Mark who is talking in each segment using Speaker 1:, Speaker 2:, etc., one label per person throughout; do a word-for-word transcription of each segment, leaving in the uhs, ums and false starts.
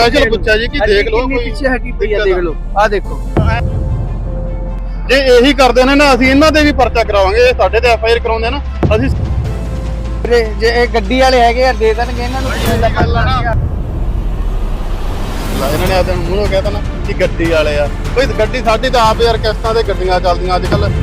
Speaker 1: Special पूछा जी कि देख लो कोई
Speaker 2: पीछे हटी पई है, देख लो आ देखो
Speaker 1: जे यही करते ने ना ਅਸੀਂ ਇਹਨਾਂ ਦੇ ਵੀ ਪਰਚਾ ਕਰਾਵਾਂਗੇ। ਇਹ ਸਾਡੇ ਤੇ ਐਫ ਆਈ ਆਰ ਕਰਾਉਂਦੇ ਨਾ ਅਸੀਂ
Speaker 2: ਜੇ ਇਹ ਗੱਡੀ ਵਾਲੇ ਹੈਗੇ ਯਾਰ ਦੇ ਦੇਣਗੇ ਇਹਨਾਂ ਨੂੰ ਕਿੰਨੇ ਦਾ ਪੱਲਾ
Speaker 1: ਇਹਨਾਂ ਨੇ ਆਦੇ ਮੂੰਹੋਂ ਕਹਿਤਾ ਨਾ ਕਿ ਗੱਡੀ ਵਾਲੇ ਆ। ਬਈ ਗੱਡੀ ਸਾਡੀ ਤਾਂ ਆਪ ਯਾਰ ਕਿਸ਼ਤਾਂ ਤੇ ਗੱਡੀਆਂ ਚੱਲਦੀਆਂ ਅੱਜ ਕੱਲ।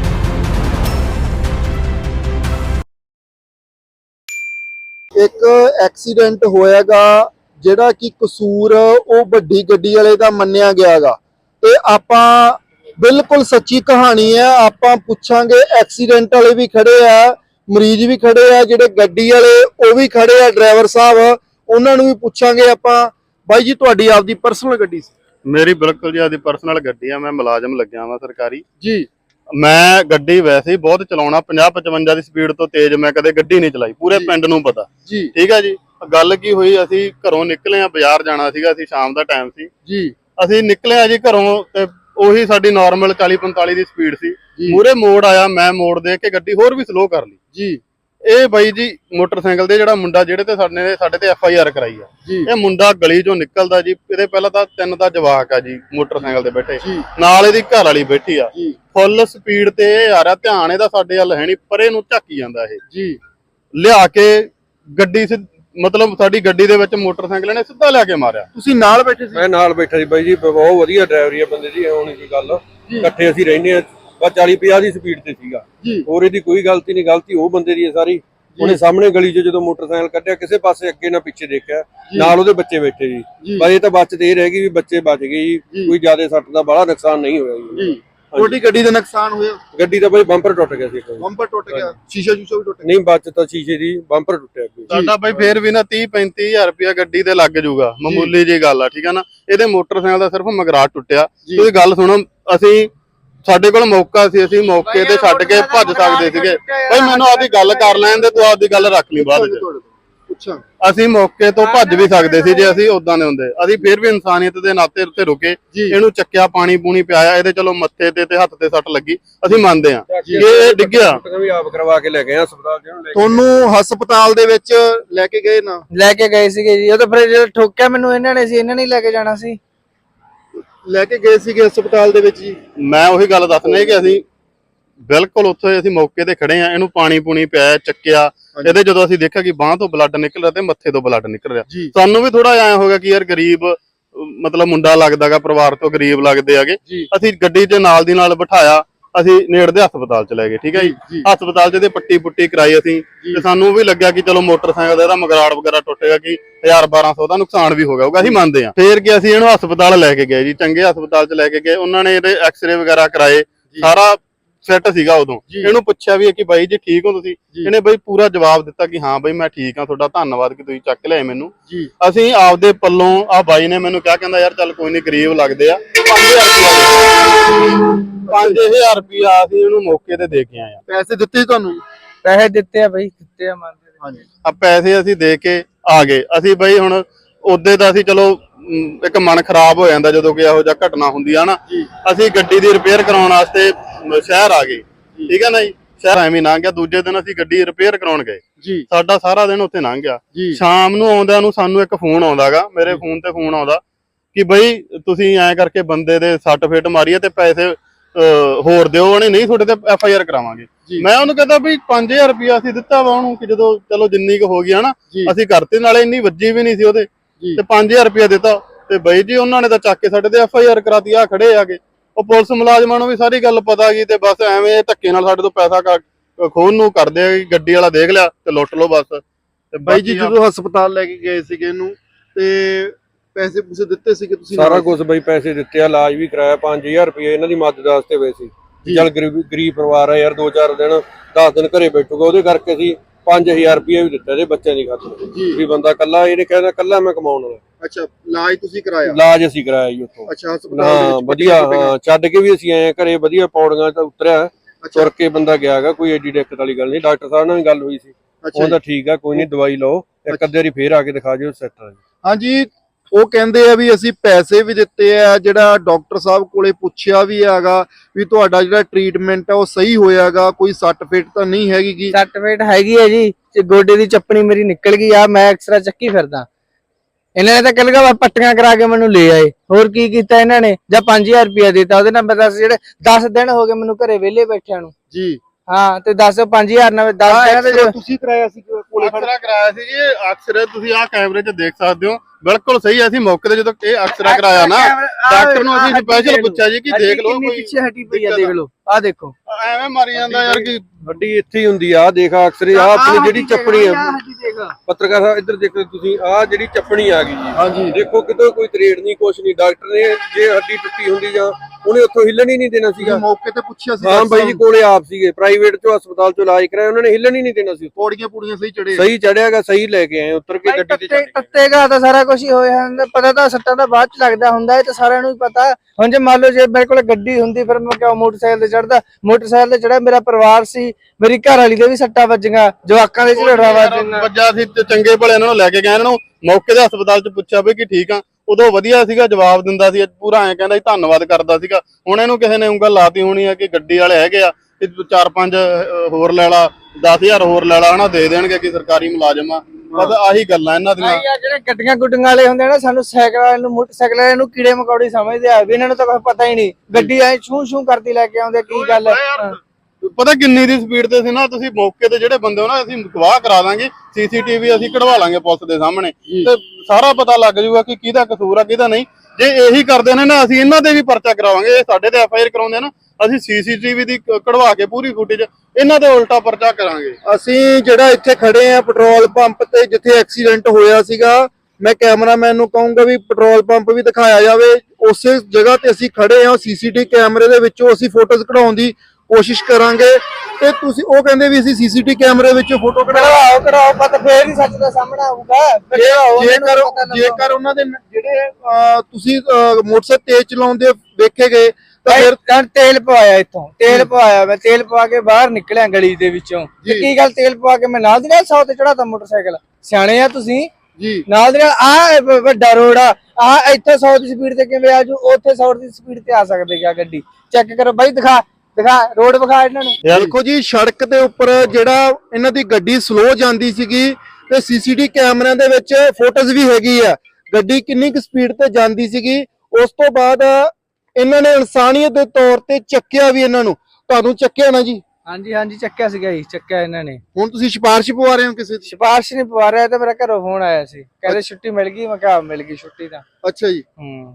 Speaker 3: ਇੱਕ ਐਕਸੀਡੈਂਟ ਹੋਇਆਗਾ ਜਿਹੜਾ ਕਿ ਕਸੂਰ ਉਹ ਵੱਡੀ ਗੱਡੀ ਵਾਲੇ ਦਾ ਮੰਨਿਆ ਗਿਆਗਾ ਤੇ ਆਪਾਂ ਬਿਲਕੁਲ ਸੱਚੀ ਕਹਾਣੀ ਹੈ। ਆਪਾਂ ਪੁੱਛਾਂਗੇ ਐਕਸੀਡੈਂਟ ਵਾਲੇ ਵੀ ਖੜੇ ਆ, ਮਰੀਜ਼ ਵੀ ਖੜੇ ਆ, ਜਿਹੜੇ ਗੱਡੀ ਵਾਲੇ ਉਹ ਵੀ ਖੜੇ ਆ, ਡਰਾਈਵਰ ਸਾਹਿਬ ਉਹਨਾਂ ਨੂੰ ਵੀ ਪੁੱਛਾਂਗੇ ਆਪਾਂ। ਬਾਈ ਜੀ ਤੁਹਾਡੀ ਆਪਦੀ ਪਰਸਨਲ ਗੱਡੀ ਸੀ?
Speaker 1: ਮੇਰੀ ਬਿਲਕੁਲ ਜੀ ਆਪਦੀ ਪਰਸਨਲ ਗੱਡੀ ਆ, ਮੈਂ ਮੁਲਾਜ਼ਮ ਲੱਗਿਆ ਵਾਂ ਸਰਕਾਰੀ
Speaker 3: ਜੀ।
Speaker 1: ਮੈਂ ਗੱਡੀ ਵੈਸੇ ਹੀ ਬਹੁਤ ਚਲਾਉਣਾ, ਪੰਜਾਹ ਪਚਵੰਜਾ ਦੀ ਸਪੀਡ ਤੋਂ ਤੇਜ਼ ਮੈਂ ਕਦੇ ਗੱਡੀ ਨਹੀਂ ਚਲਾਈ, ਪੂਰੇ ਪਿੰਡ ਨੂੰ ਪਤਾ
Speaker 3: ਜੀ।
Speaker 1: ਠੀਕ ਹੈ ਜੀ। ਗੱਲ ਕੀ ਹੋਈ, ਅਸੀਂ ਘਰੋਂ ਨਿਕਲੇ ਆ, ਬਾਜ਼ਾਰ ਜਾਣਾ ਸੀਗਾ, ਅਸੀਂ ਸ਼ਾਮ ਦਾ ਟਾਈਮ ਸੀ
Speaker 3: ਜੀ।
Speaker 1: ਅਸੀਂ ਨਿਕਲੇ ਆ ਜੀ ਘਰੋਂ ਤੇ ਉਹੀ ਸਾਡੀ ਨਾਰਮਲ ਚਾਲੀ ਪੰਤਾਲੀ ਦੀ ਸਪੀਡ ਸੀ। ਮੂਰੇ ਮੋੜ ਆਇਆ, ਮੈਂ ਮੋੜ ਦੇ ਕੇ ਗੱਡੀ ਹੋਰ ਵੀ ਸਲੋ ਕਰ ਲਈ ਜੀ। ਇਹ ਬਾਈ ਜੀ ਮੋਟਰਸਾਈਕਲ ਦੇ ਜਿਹੜਾ ਮੁੰਡਾ ਜਿਹੜੇ ਤੇ ਸਾਡੇ ਨੇ ਸਾਡੇ ਤੇ ਐਫ ਆਈ ਆਰ ਕਰਾਈ ਆ, ਇਹ ਮੁੰਡਾ ਗਲੀ ਚੋਂ ਨਿਕਲਦਾ ਜੀ। ਇਹਦੇ ਪਹਿਲਾਂ ਤਾਂ ਤਿੰਨ ਦਾ ਜਵਾਕ ਆ ਜੀ ਮੋਟਰਸਾਈਕਲ ਤੇ ਬੈਠੇ, ਨਾਲ ਇਹਦੀ ਘਰ ਵਾਲੀ ਬੈਠੀ ਆ। ਫੁੱਲ ਸਪੀਡ ਤੇ ਇਹ ਆ ਰਿਹਾ, ਧਿਆਨ ਇਹਦਾ ਸਾਡੇ ਵੱਲ ਹੈ ਨਹੀਂ, ਪਰੇ ਨੂੰ ਝਾਕੀ ਜਾਂਦਾ ਇਹ ਜੀ। ਲਿਆ ਕੇ ਗੱਡੀ ਮਤਲਬ ਸਾਡੀ ਗੱਡੀ ਦੇ ਵਿੱਚ ਮੋਟਰਸਾਈਕਲ ਨੇ ਸਿੱਧਾ ਲਿਆ ਕੇ ਮਾਰਿਆ।
Speaker 3: ਤੁਸੀਂ ਨਾਲ ਬੈਠੇ ਸੀ?
Speaker 4: ਮੈਂ ਨਾਲ ਬੈਠਾ ਸੀ ਬਾਈ ਜੀ, ਬਹੁਤ ਵਧੀਆ ਡਰਾਈਵਰੀ ਆ ਬੰਦੇ ਦੀ, ਹੁਣ ਕੀ ਗੱਲ ਇਕੱਠੇ ਅਸੀਂ ਰਹਿੰਦੇ ਆ। ਬਸ ਚਾਲੀ ਪੰਜਾਹ ਦੀ ਸਪੀਡ ਤੇ ਸੀਗਾ, ਹੋਰ ਇਹਦੀ ਕੋਈ ਗਲਤੀ ਨਹੀਂ, ਗਲਤੀ ਉਹ ਬੰਦੇ ਦੀ ਹੈ ਸਾਰੀ। ਉਹਨੇ ਸਾਹਮਣੇ ਗਲੀ 'ਚ ਜਦੋਂ ਮੋਟਰਸਾਈਕਲ ਕੱਢਿਆ, ਕਿਸੇ ਪਾਸੇ ਅੱਗੇ ਨਾ ਪਿੱਛੇ ਦੇਖਿਆ, ਨਾਲ ਉਹਦੇ ਬੱਚੇ ਬੈਠੇ ਜੀ। ਪਰ ਇਹ ਤਾਂ ਬਚਤ ਇਹ ਰਹਿ ਗਈ ਵੀ ਬੱਚੇ ਬਚ ਗਏ ਜੀ, ਕੋਈ ਜ਼ਿਆਦਾ ਸੱਟ ਦਾ ਬੜਾ ਨੁਕਸਾਨ ਨਹੀਂ ਹੋਇਆ ਜੀ।
Speaker 3: ਤੁਹਾਡੀ ਗੱਡੀ ਦਾ ਨੁਕਸਾਨ ਹੋਇਆ?
Speaker 4: ਗੱਡੀ ਦਾ ਬਾਈ ਬੰਪਰ ਟੁੱਟ ਗਿਆ ਸੀ।
Speaker 3: ਬੰਪਰ ਟੁੱਟ ਗਿਆ, ਸ਼ੀਸ਼ਾ ਸ਼ੂਸ਼ਾ ਵੀ ਟੁੱਟ ਗਿਆ?
Speaker 4: ਨਹੀਂ, ਬਚਤ ਸ਼ੀਸ਼ੇ ਦੀ, ਬੰਪਰ ਟੁੱਟਿਆ
Speaker 1: ਸਾਡਾ ਬਾਈ ਫੇਰ ਵੀ ਨਾ ਤੀਹ ਪੈਂਤੀ ਹਜ਼ਾਰ ਰੁਪਇਆ ਗੱਡੀ ਤੇ ਲੱਗ ਜਾਊਗਾ, ਮਾਮੂਲੀ ਜੀ ਗੱਲ ਆ, ਠੀਕ ਆ ਨਾ। ਇਹਦੇ ਮੋਟਰਸਾਈਕਲ ਦਾ ਸਿਰਫ ਮਗਰਾਟ ਟੁੱਟਿਆ। ਤੁਸੀਂ ਗੱਲ ਸੁਣੋ, ਅਸੀਂ ਸਾਡੇ ਕੋਲ ਮੌਕਾ ਸੀ, ਅਸੀਂ ਮੌਕੇ ਤੇ ਛੱਡ ਕੇ ਭੱਜ ਸਕਦੇ ਸੀਗੇ। ਬਈ ਮੈਨੂੰ ਆਪਦੀ ਗੱਲ ਕਰ ਲੈਣ ਦੇ, ਤੂੰ ਆਪਦੀ ਗੱਲ ਰੱਖ ਲਈ ਬਾਅਦ ਵਿੱਚ। ਅਸੀਂ ਮੌਕੇ ਤੋਂ ਭੱਜ ਵੀ ਸਕਦੇ ਸੀ ਜੇ ਅਸੀਂ ਉਦਾਂ ਦੇ ਹੁੰਦੇ। ਅਸੀਂ ਫੇਰ ਵੀ ਇਨਸਾਨੀਅਤ ਦੇ ਨਾਤੇ ਉੱਤੇ ਰੁਕੇ, ਇਹਨੂੰ ਚੱਕਿਆ, ਪਾਣੀ ਪੂਣੀ ਪਿਆਇਆ, ਇਹਦੇ ਚਲੋ ਮੱਥੇ ਤੇ ਤੇ ਹੱਥ ਤੇ ਸੱਟ ਲੱਗੀ, ਅਸੀਂ ਮੰਨਦੇ ਆ ਇਹ ਡਿੱਗਿਆ।
Speaker 4: ਵੀ ਆਪ ਕਰਵਾ ਕੇ ਲੈ ਗਏ ਹਸਪਤਾਲ।
Speaker 3: ਤੁਹਾਨੂੰ ਹਸਪਤਾਲ ਦੇ ਵਿੱਚ ਲੈ ਕੇ ਗਏ ਨਾ?
Speaker 2: ਲੈ ਕੇ ਗਏ ਸੀਗੇ ਜੀ। ਉਹ ਤਾਂ ਫਿਰ ਜਦੋਂ ਠੋਕਿਆ ਮੈਨੂੰ ਇਹਨਾਂ ਨੇ ਸੀ, ਇਹਨਾਂ ਨੇ ਲੈ ਕੇ ਜਾਣਾ ਸੀ।
Speaker 3: ਲੈ ਕੇ ਗਏ ਸੀਗੇ ਹਸਪਤਾਲ ਦੇ ਵਿੱਚ ਜੀ?
Speaker 1: ਮੈਂ ਉਹੀ ਗੱਲ ਦੱਸਣੀ ਕਿ ਅਸੀਂ ਬਿਲਕੁਲ ਉੱਥੇ ਅਸੀਂ ਮੌਕੇ ਤੇ ਖੜੇ ਆ, ਇਹਨੂੰ ਪਾਣੀ ਪੂਣੀ ਪਿਆਇਆ, ਚੱਕਿਆ। ਇਹਦੇ ਜਦੋਂ ਅਸੀਂ ਦੇਖਿਆ ਕਿ ਬਾਹ ਤੋਂ ਬਲੱਡ ਨਿਕਲ ਰਿਹਾ ਤੇ ਮੱਥੇ ਤੋਂ ਬਲੱਡ ਨਿਕਲ ਰਿਹਾ, ਸਾਨੂੰ ਵੀ ਥੋੜਾ ਐ ਹੋ ਗਿਆ ਕਿ ਯਾਰ ਗਰੀਬ ਮਤਲਬ ਮੁੰਡਾ ਲੱਗਦਾਗਾ, ਪਰਿਵਾਰ ਤੋਂ ਗਰੀਬ ਲੱਗਦੇ ਆਗੇ। ਅਸੀਂ ਗੱਡੀ 'ਚ ਨਾਲ ਦੀ ਨਾਲ ਬਿਠਾਇਆ, ਅਸੀਂ ਨੇੜਦੇ ਹਸਪਤਾਲ ਚ ਲੈ ਗਏ। ਠੀਕ ਹੈ ਜੀ। ਹਸਪਤਾਲ 'ਚ ਇਹਦੇ ਪੱਟੀ ਪੁੱਟੀ ਕਰਾਈ ਅਸੀਂ, ਤੇ ਸਾਨੂੰ ਵੀ ਲੱਗਿਆ ਕਿ ਚਲੋ ਮੋਟਰਸਾਈਕਲ ਦਾ ਇਹਦਾ ਮਗਰਾੜ ਵਗੈਰਾ ਟੁੱਟੇਗਾ, ਕਿ ਹਜ਼ਾਰ ਬਾਰਾਂ ਸੌ ਦਾ ਨੁਕਸਾਨ ਵੀ ਹੋ ਗਿਆ, ਅਸੀਂ ਮੰਨਦੇ ਆ। ਫੇਰ ਕਿ ਅਸੀਂ ਇਹਨੂੰ ਹਸਪਤਾਲ ਲੈ ਕੇ ਗਏ ਜੀ, ਚੰਗੇ ਹਸਪਤਾਲ 'ਚ ਲੈ ਕੇ ਗਏ। ਉਹਨਾਂ ਨੇ ਇਹਦੇ ਐਕਸਰੇ ਵਗੈਰਾ ਕਰਾਏ, ਸਾਰਾ ਸੈੱਟ ਸੀਗਾ। ਉਦੋਂ ਇਹਨੂੰ ਪੁੱਛਿਆ ਵੀ ਕਿ ਬਾਈ ਜੀ ਠੀਕ ਹੋ ਤੁਸੀਂ? ਇਹਨੇ ਬਾਈ ਪੂਰਾ ਜਵਾਬ ਦਿੱਤਾ ਕਿ ਹਾਂ ਬਾਈ ਮੈਂ ਠੀਕ ਆ, ਤੁਹਾਡਾ ਧੰਨਵਾਦ ਕਿ ਤੁਸੀਂ ਚੱਕ ਲਿਆਏ ਮੈਨੂੰ। ਅਸੀਂ ਆਪਦੇ ਪੱਲੋਂ, ਆ ਬਾਈ ਨੇ ਮੈਨੂੰ ਕਿਹਾ, ਕਹਿੰਦਾ ਯਾਰ ਚੱਲ ਕੋਈ ਨੀ, ਗਰੀਬ ਲੱਗਦੇ ਆ, ਪੰਜ ਹਜ਼ਾਰ ਪੰਜ ਹਜ਼ਾਰ ਰੁਪਇਆ ਅਸੀਂ ਇਹਨੂੰ ਮੌਕੇ ਤੇ ਦੇ ਕੇ ਆਏ ਆ।
Speaker 3: ਪੈਸੇ ਦਿੱਤੇ ਤੁਹਾਨੂੰ?
Speaker 2: ਪੈਸੇ ਦਿੱਤੇ ਆ ਬਾਈ, ਦਿੱਤੇ ਆ, ਮੰਨਦੇ।
Speaker 3: ਹਾਂਜੀ,
Speaker 1: ਆ ਪੈਸੇ ਅਸੀਂ ਦੇ ਕੇ ਆ ਗਏ। ਅਸੀਂ ਬਾਈ ਹੁਣ ਉਹਦੇ ਦਾ ਅਸੀਂ ਚਲੋ ਇੱਕ ਮਨ ਖਰਾਬ ਹੋ ਜਾਂਦਾ ਜਦੋਂ ਕਿ ਇਹੋ ਜਿਹਾ ਘਟਨਾ ਹੁੰਦੀ ਆ ਨਾ। ਅਸੀਂ ਗੱਡੀ ਦੀ ਰਿਪੇਅਰ ਕਰਾਉਣ ਵਾਸਤੇ ਸ਼ਹਿਰ ਆ ਗਏ, ਠੀਕ ਹੈ ਨਾ ਜੀ। ਸ਼ਹਿਰ ਐਵੇਂ ਲੰਘ ਗਿਆ। ਦੂਜੇ ਦਿਨ ਅਸੀਂ ਗੱਡੀ ਰਿਪੇਅਰ ਕਰਾਉਣ ਗਏ, ਸਾਡਾ ਸਾਰਾ ਦਿਨ ਉੱਥੇ ਲੰਘ ਗਿਆ। ਸ਼ਾਮ ਨੂੰ ਆਉਂਦਿਆਂ ਨੂੰ ਸਾਨੂੰ ਇੱਕ ਫੋਨ ਆਉਂਦਾਗਾ, ਮੇਰੇ ਫੋਨ ਤੇ ਫੋਨ ਆਉਂਦਾ ਕਿ ਬਈ ਤੁਸੀਂ ਐਂ ਕਰਕੇ ਬੰਦੇ ਦੇ ਸੱਟ ਫੇਟ ਮਾਰੀ ਤੇ ਪੈਸੇ ਹੋਰ ਦਿਓ, ਉਹਨੇ ਨਹੀਂ ਤੁਹਾਡੇ ਤੇ ਐਫ ਆਈ ਆਰ ਕਰਾਵਾਂਗੇ। ਮੈਂ ਉਹਨੂੰ ਕਹਿੰਦਾ ਵੀ ਪੰਜ ਹਜ਼ਾਰ ਰੁਪਇਆ ਅਸੀਂ ਦਿੱਤਾ ਵਾ ਉਹਨੂੰ, ਕਿ ਜਦੋਂ ਚਲੋ ਜਿੰਨੀ ਕੁ ਹੋ ਗਈ ਹਨਾ ਅਸੀਂ ਕਰਤੇ, ਨਾਲੇ ਇੰਨੀ ਵੱਜੀ ਵੀ ਨਹੀਂ ਸੀ ਉਹਦੇ, ਤੇ ਪੰਜ ਹਜ਼ਾਰ ਰੁਪਇਆ ਦਿੱਤਾ। ਤੇ ਬਾਈ ਜੀ ਉਹਨਾਂ ਨੇ ਤਾਂ ਚੱਕ ਕੇ ਸਾਡੇ ਤੇ ਐਫ ਆਈ ਆਰ ਕਰਾਤੀ। ਆ ਖੜੇ ਆਗੇ, ਉਹ ਪੁਲਿਸ ਮੁਲਾਜ਼ਮਾਂ ਨੂੰ ਵੀ ਸਾਰੀ ਗੱਲ ਪਤਾ ਗਈ, ਤੇ ਬਸ ਐਵੇਂ ਧੱਕੇ ਨਾਲ ਸਾਡੇ ਤੋਂ ਪੈਸਾ ਖੋਹਣ ਨੂੰ ਕਰਦੇ ਆ। ਗੱਡੀ ਵਾਲਾ ਦੇਖ ਲਿਆ ਤੇ ਲੁੱਟ ਲਓ ਬਸ। ਤੇ
Speaker 3: ਬਾਈ ਜੀ ਜਦੋਂ ਹਸਪਤਾਲ ਲੈ ਕੇ ਗਏ ਸੀਗੇ ਇਹਨੂੰ, ਤੇ ਪੈਸੇ ਪੂਸੇ ਦਿੱਤੇ ਸੀਗੇ ਤੁਸੀਂ?
Speaker 4: ਸਾਰਾ ਕੁਝ ਬਾਈ ਪੈਸੇ ਦਿੱਤੇ ਆ, ਇਲਾਜ ਵੀ ਕਰਾਇਆ। ਪੰਜ ਹਜ਼ਾਰ ਰੁਪਏ ਇਹਨਾਂ ਦੀ ਮਦਦ ਵਾਸਤੇ ਹੋਏ ਸੀ। ਚੱਲ ਗਰੀਬ ਗਰੀਬ ਪਰਿਵਾਰ ਆ ਯਾਰ, ਦੋ ਚਾਰ ਦਿਨ ਦਸ ਦਿਨ ਘਰੇ ਬੈਠੂਗਾ, ਉਹਦੇ ਕਰਕੇ ਅਸੀਂ ਪੰਜ ਹਜ਼ਾਰ ਰੁਪਏ ਵੀ ਦਿੱਤਾ ਇਹਦੇ ਬੱਚਿਆਂ ਦੀ ਖਾਤਰ। ਵੀ ਬੰਦਾ ਕੱਲਾ, ਇਹਨੇ ਕਹਿੰਦਾ ਕੱਲਾ ਮੈਂ ਕਮਾਉਣ ਵਾਲਾ।
Speaker 3: ਅੱਛਾ, ਇਲਾਜ ਤੁਸੀਂ ਕਰਾਇਆ?
Speaker 4: ਇਲਾਜ ਅਸੀਂ ਕਰਾਇਆ ਜੀ ਉੱਥੋਂ।
Speaker 3: ਅੱਛਾ, ਹਸਪਤਾਲ
Speaker 4: ਵਧੀਆ, ਹਾਂ, ਛੱਡ ਕੇ ਵੀ ਅਸੀਂ ਆਏ ਘਰੇ, ਵਧੀਆ ਪੌੜੀਆਂ ਤਾਂ ਉਤਰਿਆ, ਤੁਰ ਕੇ ਬੰਦਾ ਗਿਆਗਾ, ਕੋਈ ਐਡੀ ਦਿੱਕਤ ਵਾਲੀ ਗੱਲ ਨਹੀਂ। ਡਾਕਟਰ ਸਾਹਿਬ ਨਾਲ ਵੀ ਗੱਲ ਹੋਈ ਸੀ, ਉਹਦਾ ਠੀਕ ਆ, ਕੋਈ ਨਹੀਂ, ਦਵਾਈ ਲਓ, ਇੱਕ ਅੱਧੇ ਵਾਰੀ ਫੇਰ ਆ ਕੇ ਦਿਖਾ ਜਿਓ, ਸੈੱਟ ਆ ਜੀ।
Speaker 3: ਹਾਂਜੀ, ਉਹ ਕਹਿੰਦੇ ਆ ਵੀ ਅਸੀਂ ਪੈਸੇ ਵੀ ਦਿੱਤੇ ਆ, ਜਿਹੜਾ ਡਾਕਟਰ ਸਾਹਿਬ ਕੋਲੇ ਪੁੱਛਿਆ ਵੀ ਹੈਗਾ ਵੀ ਤੁਹਾਡਾ ਜਿਹੜਾ ਟ੍ਰੀਟਮੈਂਟ ਆ ਉਹ ਸਹੀ ਹੋਇਆਗਾ, ਕੋਈ ਸੱਟ ਫੇਟ ਤਾਂ ਨਹੀਂ ਹੈਗੀ? ਕੀ
Speaker 2: ਸੱਟ ਫੇਟ ਹੈਗੀ ਹੈ ਜੀ, ਗੋਡੇ ਦੀ ਚੱਪਣੀ ਮੇਰੀ ਨਿਕਲ ਗਈ ਆ, ਮੈਂ ਐਕਸਰਾ ਚੱਕੀ ਫਿਰਦਾ। ਇਹਨਾਂ ਨੇ ਤਾਂ ਕੱਲ੍ਹ ਪੱਟੀਆਂ ਕਰਾ ਕੇ ਮੈਨੂੰ ਲੈ ਆਏ, ਹੋਰ ਕੀ ਕੀਤਾ ਇਹਨਾਂ ਨੇ? ਜਾਂ ਪੰਜ ਹਜ਼ਾਰ ਰੁਪਇਆ ਦਿੱਤਾ ਉਹਦੇ ਨਾਲ। ਮੈਂ ਦੱਸ ਜਿਹੜੇ ਦਸ ਦਿਨ ਹੋ ਗਏ ਮੈਨੂੰ ਘਰੇ ਵਿਹਲੇ ਬੈਠਿਆਂ ਨੂੰ
Speaker 3: ਜੀ
Speaker 2: ਹਾਂ, ਤੇ ਦੱਸ ਪੰਜ ਹਜ਼ਾਰ ਨਾਲ ਦਸ ਦਿਨਾਂ ਦੇ ਜੋ
Speaker 3: ਤੁਸੀਂ ਕਰਾਇਆ ਸੀ ਕੋਲੇ ਫੜ
Speaker 1: ਅਕਸਰਾ ਕਰਾਇਆ ਸੀ ਜੀ। ਅਕਸਰ ਤੁਸੀਂ ਆਹ ਕੈਮਰੇ 'ਚ ਦੇਖ ਸਕਦੇ ਹੋ, ਬਿਲਕੁਲ ਸਹੀ। ਅਸੀਂ ਮੌਕੇ ਤੇ ਜਦੋਂ ਇਹ ਅਕਸਰਾ ਕਰਾਇਆ ਨਾ, ਡਾਕਟਰ ਨੂੰ ਅਸੀਂ ਸਪੈਸ਼ਲ ਪੁੱਛਿਆ ਜੀ ਕਿ ਦੇਖ ਲਓ ਕੋਈ
Speaker 2: ਪਿੱਛੇ ਹਟੀ ਪਈ ਆ, ਦੇਖ ਲਓ ਆਹ ਦੇਖੋ
Speaker 1: ਐਵੇਂ ਮਾਰੀ ਜਾਂਦਾ ਯਾਰ ਕਿ
Speaker 4: ਵੱਡੀ ਇੱਥੇ ਹੀ ਹੁੰਦੀ ਆ। ਦੇਖ ਅਕਸਰੇ ਆ ਆਪਣੀ ਜਿਹੜੀ ਚੱਪਣੀ ਆ, ਪੱਤਰਕਾਰ ਸਾਹਿਬ ਇੱਧਰ ਦੇਖੋ ਤੁਸੀਂ, ਆਹ ਜਿਹੜੀ ਚੱਪਣੀ ਆ ਗਈ ਜੀ।
Speaker 3: ਹਾਂਜੀ
Speaker 4: ਦੇਖੋ ਕਿਤੋਂ ਕੋਈ ਤਰੇੜ ਨਹੀਂ, ਕੁਛ ਨਹੀਂ। ਡਾਕਟਰ ਨੇ ਜੇ ਹੱਡੀ ਟੁੱਟੀ ਹੁੰਦੀ ਜਾਂ ਉਹਨੇ ਉੱਥੋਂ ਹਿੱਲਣ ਹੀ ਨਹੀਂ ਦੇਣਾ ਸੀਗਾ।
Speaker 3: ਮੌਕੇ ਤੇ ਪੁੱਛਿਆ ਸੀ?
Speaker 4: ਹਾਂ ਬਾਈ ਜੀ ਕੋਲੇ ਆਪ ਸੀਗੇ, ਪ੍ਰਾਈਵੇਟ ਚੋਂ ਹਸਪਤਾਲ ਚੋਂ ਇਲਾਜ ਕਰਾਇਆ, ਉਹਨਾਂ ਨੇ ਹਿੱਲਣ ਹੀ ਨਹੀਂ ਦੇਣਾ ਸੀ।
Speaker 3: ਪੌੜੀਆਂ ਪੂੜੀਆਂ ਸਹੀ ਚੜੇ?
Speaker 4: ਸਹੀ ਚੜਿਆਗਾ, ਸਹੀ ਲੈ ਕੇ ਆਏ, ਉੱਤਰ ਕੇ ਗੱਡੀ ਤੇ
Speaker 2: ਟੱਟੇਗਾ ਤਾਂ ਸਾਰਾ ਕੁਝ ਹੀ ਹੋਇਆ ਹੁੰਦਾ। ਪਤਾ ਤਾਂ ਸੱਟਾਂ ਦਾ ਬਾਅਦ ਚ ਲੱਗਦਾ ਹੁੰਦਾ, ਇਹ ਤਾਂ ਸਾਰਿਆਂ ਨੂੰ ਹੀ ਪਤਾ। ਹੁਣ ਜੇ ਮੰਨ ਲਓ ਜੇ ਮੇਰੇ ਕੋਲ ਗੱਡੀ ਹੁੰਦੀ ਫਿਰ ਮੈਂ ਕਿਉਂ ਮੋਟਰਸਾਈਕਲ ਤੇ ਚੜਦਾ? ਮੋਟਰਸਾਈਕਲ ਤੇ ਚੜਿਆ, ਮੇਰਾ ਪਰਿਵਾਰ ਸੀ, ਮੇਰੀ ਘਰ ਵਾਲੀ ਦੇ ਵੀ ਸੱਟਾਂ ਵੱਜੀਆਂ, ਜਵਾਕਾਂ ਦੇ ਝੜੜਾ ਵੱਜੀਆਂ।
Speaker 1: ਵੱਜਾ ਸੀ ਤੇ ਚੰਗੇ ਭਲੇ ਇਹਨਾਂ ਨੂੰ ਲੈ ਕੇ ਗਏ, ਇਹਨਾਂ ਨੂੰ ਮੌਕੇ ਦੇ ਹਸਪਤਾਲ 'ਚ ਪੁੱਛਿਆ ਵੀ ਕਿ ਠੀਕ ਆ, ਉਦੋਂ ਵਧੀਆ ਸੀਗਾ, ਜਵਾਬ ਦਿੰਦਾ ਸੀ ਪੂਰਾ, ਐਂ ਕਹਿੰਦਾ ਸੀ ਧੰਨਵਾਦ ਕਰਦਾ ਸੀਗਾ। ਹੁਣ ਇਹਨੂੰ ਕਿਸੇ ਨੇ ਉਂਗਲ ਲਾਤੀ ਹੋਣੀ ਆ ਕਿ ਗੱਡੀ ਵਾਲੇ ਹੈਗੇ ਆ, ਚਾਰ ਪੰਜ ਹੋਰ ਲੈ ਲਾ, ਦਸ ਹਜ਼ਾਰ ਹੋਰ ਲੈ ਲਾ, ਹਨਾ ਦੇ ਦੇਣਗੇ ਕਿ ਸਰਕਾਰੀ ਮੁਲਾਜ਼ਮ ਆ। ਬਸ ਆਹੀ ਗੱਲਾਂ ਇਹਨਾਂ ਦੀਆਂ।
Speaker 2: ਜਿਹੜੇ ਗੱਡੀਆਂ ਗੁੱਡੀਆਂ ਵਾਲੇ ਹੁੰਦੇ ਨੇ, ਸਾਨੂੰ ਸਾਈਕਲ ਵਾਲੇ ਨੂੰ ਮੋਟਰਸਾਈਕਲ ਵਾਲੇ ਨੂੰ ਕੀੜੇ ਮਕੌੜੇ ਸਮਝਦੇ ਆ ਵੀ, ਇਹਨਾਂ ਨੂੰ ਤਾਂ ਕੁਝ ਪਤਾ ਹੀ ਨਹੀਂ। ਗੱਡੀ ਐ ਛੂ ਛੂ ਕਰਦੀ ਲੈ ਕੇ ਆਉਂਦੇ, ਕੀ ਗੱਲ ਹੈ?
Speaker 1: ਪਤਾ ਕਿੰਨੀ ਦੀ ਸਪੀਡ ਤੇ ਸੀ ਨਾ। ਤੁਸੀਂ ਮੌਕੇ ਤੇ ਜਿਹੜੇ ਬੰਦੇ ਹੋ ਨਾ, ਅਸੀਂ ਗਵਾਹ ਕਰਾ ਦਾਂਗੇ, ਸੀਸੀਟੀਵੀ ਅਸੀਂ ਕਢਵਾ ਲਾਂਗੇ ਪੁਲਿਸ ਦੇ ਸਾਹਮਣੇ, ਤੇ ਸਾਰਾ ਪਤਾ ਲੱਗ ਜਾਊਗਾ ਕਿ ਕਿਹਦਾ ਕਸੂਰ ਆ ਕਿਹਦਾ ਨਹੀਂ। ਜੇ ਇਹੀ ਕਰਦੇ ਨੇ ਨਾ, ਅਸੀਂ ਇਹਨਾਂ ਦੇ ਵੀ ਪਰਚਾ ਕਰਾਵਾਂਗੇ। ਇਹ ਸਾਡੇ ਤੇ ਐਫ ਆਈ ਆਰ ਕਰਾਉਂਦੇ ਨਾ, ਅਸੀਂ ਸੀਸੀਟੀਵੀ ਦੀ ਕਢਵਾ ਕੇ ਪੂਰੀ ਫੁਟੇਜ ਇਹਨਾਂ ਦੇ ਉਲਟਾ ਪਰਚਾ ਕਰਾਂਗੇ।
Speaker 3: ਅਸੀਂ ਜਿਹੜਾ ਇੱਥੇ ਖੜੇ ਆ ਪੈਟਰੋਲ ਪੰਪ ਤੇ, ਜਿੱਥੇ ਐਕਸੀਡੈਂਟ ਹੋਇਆ ਸੀਗਾ, ਮੈਂ ਕੈਮਰਾਮੈਨ ਨੂੰ ਕਹੂੰਗਾ ਵੀ ਪੈਟਰੋਲ ਪੰਪ ਵੀ ਦਿਖਾਇਆ ਜਾਵੇ। ਉਸੇ ਜਗ੍ਹਾ ਤੇ ਅਸੀਂ ਖੜੇ ਆ, ਸੀਸੀਟੀਵੀ ਕੈਮਰੇ ਦੇ ਵਿੱਚੋਂ ਅਸੀਂ ਫੋਟੋਜ਼ ਕਢਾਉਣ ਦੀ ਕੋਸ਼ਿਸ਼ ਕਰਾਂਗੇ। ਤੇ ਤੁਸੀਂ ਉਹ ਕਹਿੰਦੇ ਵੀ ਅਸੀਂ ਸੀਸੀਟੀਵੀ ਕੈਮਰੇ ਵਿੱਚੋਂ ਫੋਟੋ
Speaker 2: ਕਢਵਾਓ ਕਢਾਓ, ਪਤਾ ਫੇਰ ਹੀ ਸੱਚ ਦਾ ਸਾਹਮਣਾ ਆਊਗਾ।
Speaker 3: ਜੇਕਰ ਜੇਕਰ ਉਹਨਾਂ ਦੇ ਜਿਹੜੇ ਅਹ, ਤੁਸੀਂ ਅਹ, ਮੋਟਰਸਾਈਕਲ ਤੇਜ਼ ਚਲਾਉਂਦੇ ਵੇਖੇ ਗਏ ਤਾਂ ਫਿਰ
Speaker 2: ਯਾਰ ਤੇਲ ਪਵਾਇਆ, ਇੱਥੋਂ ਤੇਲ ਪਵਾਇਆ, ਮੈਂ ਤੇਲ ਪਵਾ ਕੇ ਬਾਹਰ ਨਿਕਲਿਆ ਗਲੀ ਦੇ ਵਿੱਚੋਂ। ਤੇ ਕੀ ਗੱਲ, ਤੇਲ ਪਵਾ ਕੇ ਮੈਂ ਨਾਲ ਦੀ ਨਾਲ ਸੌ ਤੇ ਚੜਾਤਾ ਮੋਟਰਸਾਈਕਲ? ਸਿਆਣੇ ਆ ਤੁਸੀਂ
Speaker 3: ਜੀ।
Speaker 2: ਨਾਲ ਦੀ ਨਾਲ ਆ ਵੱਡਾ ਰੋਡ ਆ, ਆ ਇੱਥੇ ਸੌ ਦੀ ਸਪੀਡ ਤੇ ਕਿਵੇਂ ਆਜੂ, ਉੱਥੇ ਸੌ ਦੀ ਸਪੀਡ ਤੇ ਆ ਸਕਦੇ ਕਿਆ ਗੱਡੀ? ਚੈੱਕ ਕਰੋ ਬਾਈ, ਦਿਖਾ ਦਿਖਾ ਰੋਡ ਵਿਖਾ ਇਹਨਾਂ ਨੂੰ।
Speaker 3: ਦੇਖੋ ਜੀ, ਸੜਕ ਦੇ ਉੱਪਰ ਜਿਹੜਾ ਇਹਨਾਂ ਦੀ ਗੱਡੀ ਸਲੋ ਜਾਂਦੀ ਸੀਗੀ, ਤੇ ਸੀਸੀਟੀਵੀ ਕੈਮਰਿਆਂ ਦੇ ਵਿੱਚ ਫੋਟੋਜ਼ ਵੀ ਹੈਗੀ ਆ ਗੱਡੀ ਕਿੰਨੀ ਕੁ ਸਪੀਡ ਤੇ ਜਾਂਦੀ ਸੀਗੀ। ਉਸ ਤੋਂ ਬਾਅਦ ਇਹਨਾਂ ਨੇ ਇਨਸਾਨੀਅਤ ਦੇ ਤੌਰ ਤੇ ਚੱਕਿਆ ਵੀ ਇਹਨਾਂ ਨੂੰ। ਤੁਹਾਨੂੰ ਚੱਕਿਆ ਨਾ ਜੀ?
Speaker 2: ਹਾਂਜੀ ਹਾਂਜੀ ਚੱਕਿਆ ਸੀਗਾ ਜੀ, ਚੱਕਿਆ ਇਹਨਾਂ ਨੇ।
Speaker 3: ਹੁਣ ਤੁਸੀਂ ਸਿਫਾਰਿਸ਼ ਪਵਾ ਰਹੇ ਹੋ ਕਿਸੇ ਦੀ?
Speaker 2: ਸਿਫਾਰਿਸ਼ ਨਹੀਂ ਪਵਾ ਰਿਹਾ, ਤੇ ਮੇਰਾ ਘਰੋਂ ਫੋਨ ਆਇਆ ਸੀ, ਕਹਿੰਦੇ ਛੁੱਟੀ ਮਿਲ ਗਈ। ਮੈਂ ਕਿਹਾ ਮਿਲ ਗਈ ਛੁੱਟੀ ਤਾਂ।
Speaker 3: ਅੱਛਾ ਜੀ।
Speaker 2: ਹੂੰ,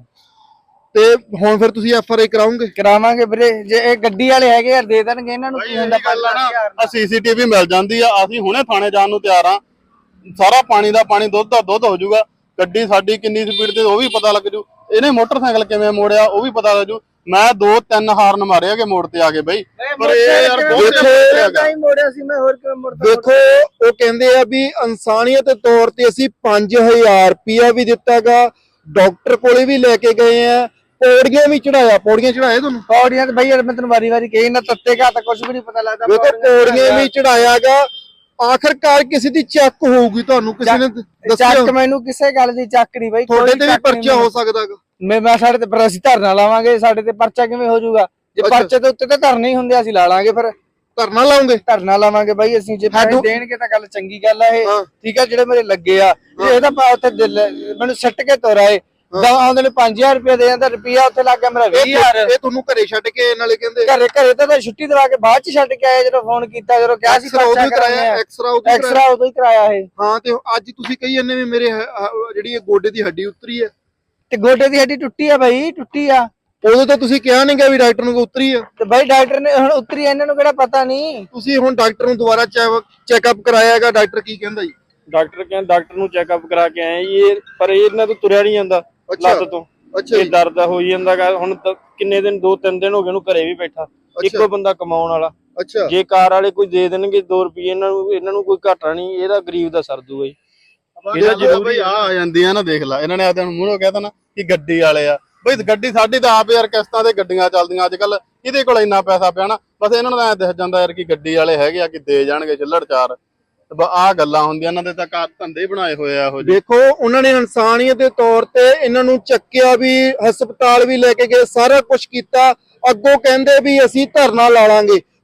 Speaker 3: ਤੇ ਹੁਣ ਫਿਰ ਤੁਸੀਂ ਐਫ ਆਰ ਆਈ ਕਰਾਉਂਗੇ?
Speaker 2: ਕਰਾਵਾਂਗੇ ਵੀਰੇ, ਜੇ ਇਹ ਗੱਡੀ ਵਾਲੇ ਹੈਗੇ ਯਾਰ ਦੇ ਦੇਣਗੇ ਇਹਨਾਂ ਨੂੰ। ਕੀ ਹੁੰਦਾ
Speaker 1: ਗੱਲ ਆ ਨਾ, ਸੀਸੀਟੀਵੀ ਮਿਲ ਜਾਂਦੀ ਆ, ਅਸੀਂ ਹੁਣੇ ਥਾਣੇ ਜਾਣ ਨੂੰ ਤਿਆਰ ਆ। ਸਾਰਾ ਪਾਣੀ ਦਾ ਪਾਣੀ, ਦੁੱਧ ਦਾ ਦੁੱਧ ਹੋ ਜਾਊਗਾ। ਗੱਡੀ ਸਾਡੀ ਕਿੰਨੀ ਸਪੀਡ ਤੇ ਉਹ ਵੀ ਪਤਾ ਲੱਗ ਜੂ, ਇਹਨੇ ਮੋਟਰਸਾਈਕਲ ਕਿਵੇਂ ਮੋੜਿਆ ਉਹ ਵੀ ਪਤਾ ਲੱਗ ਜੂ। ਮੈਂ ਦੋ ਤਿੰਨ ਹਾਰਨ ਮਾਰਿਆ ਕਿ ਮੋੜ ਤੇ ਆ ਕੇ ਬਈ, ਪਰ ਇਹ ਯਾਰ ਬਹੁਤ
Speaker 2: ਮੋੜਿਆ ਸੀ ਮੈਂ, ਹੋਰ ਕਿਵੇਂ ਮੋੜਦਾ?
Speaker 3: ਦੇਖੋ ਉਹ ਕਹਿੰਦੇ ਆ ਵੀ ਇਨਸਾਨੀਅਤ ਦੇ ਤੌਰ ਤੇ ਅਸੀਂ ਪੰਜ ਹਜ਼ਾਰ ਰੁਪਇਆ ਵੀ ਦਿੱਤਾਗਾ, ਡਾਕਟਰ ਕੋਲੇ ਵੀ ਲੈ ਕੇ ਗਏ ਆ, ਪੌੜੀਆਂ ਵੀ ਚੜਾਇਆ। ਪੌੜੀਆਂ ਚੜਾਏ ਤੁਹਾਨੂੰ?
Speaker 2: ਪੌੜੀਆਂ ਤੇ ਬਈ ਯਾਰ ਮੈਂ ਤੈਨੂੰ ਵਾਰੀ ਵਾਰੀ ਕਹੀ ਨਾ, ਤੱਤੇ ਘਾ ਤਾਂ ਕੁਝ ਵੀ ਨਹੀਂ ਪਤਾ ਲੱਗਦਾ।
Speaker 3: ਦੇਖੋ ਪੌੜੀਆਂ ਵੀ ਚੜਾਇਆਗਾ। ਆਖਰਕਾਰ ਕਿਸੇ ਦੀ ਚੱਕ ਹੋਊਗੀ, ਤੁਹਾਨੂੰ ਕਿਸੇ ਨੇ ਦੱਸਿਆ?
Speaker 2: ਚੱਕ ਮੈਨੂੰ ਕਿਸੇ ਗੱਲ ਦੀ ਚੱਕ ਨਹੀਂ ਬਈ।
Speaker 3: ਤੁਹਾਡੇ ਤੇ ਵੀ ਪਰਚਾ ਹੋ ਸਕਦਾਗਾ।
Speaker 2: ਮੈਂ ਮੈਂ ਸਾਡੇ ਤੇ, ਪਰ ਅਸੀਂ ਧਰਨਾ ਲਾਵਾਂਗੇ, ਸਾਡੇ ਤੇ ਪਰਚਾ ਕਿਵੇਂ ਹੋ ਜਾਊਗਾ? ਜੇ ਪਰਚੇ ਦੇ ਉੱਤੇ ਤਾਂ ਧਰਨੇ ਹੀ ਹੁੰਦੇ, ਅਸੀਂ ਲਾ ਲਾਂਗੇ। ਫਿਰ
Speaker 3: ਧਰਨਾ ਲਾਉਂਗੇ?
Speaker 2: ਧਰਨਾ ਲਾਵਾਂਗੇ ਬਾਈ ਅਸੀਂ, ਜੇ ਪੈਸੇ ਦੇਣਗੇ ਤਾਂ ਗੱਲ ਚੰਗੀ ਗੱਲ ਆ ਇਹ, ਠੀਕ ਆ। ਜਿਹੜੇ ਮੇਰੇ ਲੱਗੇ ਆ, ਇਹ ਤਾਂ ਉੱਥੇ ਮੈਨੂੰ ਸੱਟ ਕੇ ਤੋਰਾਏ, ਆਉਂਦੇ ਨੇ ਪੰਜ ਹਜ਼ਾਰ ਰੁਪਏ ਦੇ ਜਾਂਦਾ, ਰੁਪਿਆ ਉੱਥੇ ਲੱਗ ਗਿਆ ਮੇਰਾ ਵੀਹ ਹਜ਼ਾਰ।
Speaker 3: ਇਹ ਤੁਹਾਨੂੰ ਘਰੇ ਛੱਡ ਕੇ ਨਾਲੇ ਕਹਿੰਦੇ?
Speaker 2: ਘਰੇ ਘਰੇ ਤਾਂ ਛੁੱਟੀ ਦਵਾ ਕੇ ਬਾਅਦ ਚ ਛੱਡ ਕੇ ਆਏ, ਜਦੋਂ ਫੋਨ ਕੀਤਾ, ਜਦੋਂ ਕਿਹਾ ਸੀ
Speaker 3: ਪਰਚਾ ਕਰਾਇਆ, ਐਕਸਰਾ
Speaker 2: ਐਕਸਰਾ ਉਦੋਂ ਹੀ ਕਰਾਇਆ ਇਹ।
Speaker 3: ਹਾਂ, ਤੇ ਅੱਜ ਤੁਸੀਂ ਕਹੀ ਜਾਂਦੇ ਵੀ ਮੇਰੇ ਜਿਹੜੀ ਇਹ ਗੋਡੇ ਦੀ ਹੱਡੀ ਉਤਰੀ ਹੈ।
Speaker 2: ਤੇ ਗੋਡੇ ਦੀ ਹੱਡੀ ਟੁੱਟੀ ਆ ਬਾਈ, ਟੁੱਟੀ ਆ।
Speaker 3: ਉਦੋਂ ਤਾਂ ਤੁਸੀਂ ਕਿਹਾ ਨਹੀਂ ਗਿਆ ਵੀ ਡਾਕਟਰ ਨੂੰ ਉਤਰੀ ਆ।
Speaker 2: ਤੇ ਬਾਈ ਡਾਕਟਰ ਨੇ ਹੁਣ ਉਤਰੀ, ਇਹਨਾਂ ਨੂੰ ਕਿਹੜਾ ਪਤਾ ਨਹੀਂ।
Speaker 3: ਤੁਸੀਂ ਹੁਣ ਡਾਕਟਰ ਨੂੰ ਦੁਬਾਰਾ ਚੈੱਕਅਪ ਕਰਾਇਆਗਾ, ਡਾਕਟਰ ਕੀ ਕਹਿੰਦਾ ਜੀ?
Speaker 4: ਡਾਕਟਰ ਕਹਿੰਦਾ, ਡਾਕਟਰ ਨੂੰ ਚੈੱਕਅਪ ਕਰਾ ਕੇ ਆਏ ਜੀ, ਇਹ ਪਰ ਇਹਨਾਂ ਤੋਂ ਤੁਰਿਆ ਨਹੀਂ ਜਾਂਦਾ ਲੱਤ ਤੋਂ।
Speaker 3: ਅੱਛਾ,
Speaker 4: ਇਹ ਦਰਦ ਹੋਈ ਜਾਂਦਾਗਾ। ਹੁਣ ਕਿੰਨੇ ਦਿਨ, ਦੋ ਤਿੰਨ ਦਿਨ ਹੋ ਗਏ ਉਹਨੂੰ ਘਰੇ ਵੀ ਬੈਠਾ, ਇੱਕੋ ਬੰਦਾ ਕਮਾਉਣ ਵਾਲਾ।
Speaker 3: ਅੱਛਾ,
Speaker 4: ਜੇ ਕਾਰ ਵਾਲੇ ਕੋਈ ਦੇ ਦੇਣਗੇ ਦੋ ਰੁਪਏ, ਇਹਨਾਂ ਨੂੰ ਇਹਨਾਂ ਨੂੰ ਕੋਈ ਘਾਟਾ ਨਹੀਂ, ਇਹਦਾ ਗਰੀਬ ਦਾ ਸਰ ਦੂਗਾ ਜੀ।
Speaker 1: ਇਹਦਾ ਜ਼ਰੂਰੀ ਆ ਆ ਜਾਂਦੀ ਆ ਨਾ, ਦੇਖ ਲੈ ਇਹਨਾਂ ਨੇ ਆਦਿਆਂ ਨੂੰ ਮੂਹਰੋਂ ਕਹਿਤਾ ਨਾ ਕਿ ਗੱਡੀ ਵਾਲੇ ਆ। ਬਈ ਗੱਡੀ ਸਾਡੀ ਤਾਂ ਆਪ ਯਾਰ ਕਿਸ਼ਤਾਂ ਤੇ ਗੱਡੀਆਂ ਚੱਲਦੀਆਂ ਅੱਜ ਕੱਲ, ਇਹਦੇ ਕੋਲ ਇੰਨਾ ਪੈਸਾ ਪਿਆ ਨਾ, ਬਸ ਇਹਨਾਂ ਨੂੰ ਤਾਂ ਐ ਦਿਖ ਜਾਂਦਾ ਯਾਰ ਕਿ ਗੱਡੀ ਵਾਲੇ ਹੈਗੇ ਆ ਕਿ ਦੇ ਜਾਣਗੇ ਛਿੱਲੜ ਚਾਰ। ਆਹ ਗੱਲਾਂ ਹੁੰਦੀਆਂ, ਇਹਨਾਂ ਦੇ ਤਾਂ ਕਾਰ ਧੰਦੇ ਬਣਾਏ ਹੋਏ ਆ ਇਹੋ ਜਿਹੇ।
Speaker 3: ਦੇਖੋ ਉਹਨਾਂ ਨੇ ਇਨਸਾਨੀਅਤ ਦੇ ਤੌਰ ਤੇ ਇਹਨਾਂ ਨੂੰ ਚੱਕਿਆ ਵੀ, ਹਸਪਤਾਲ ਵੀ ਲੈ ਕੇ ਗਏ, ਸਾਰਾ ਕੁਝ ਕੀਤਾ। ਅੱਗੋਂ ਕਹਿੰਦੇ ਵੀ ਅਸੀਂ ਧਰਨਾ ਲਾ ਲਾਂਗੇ।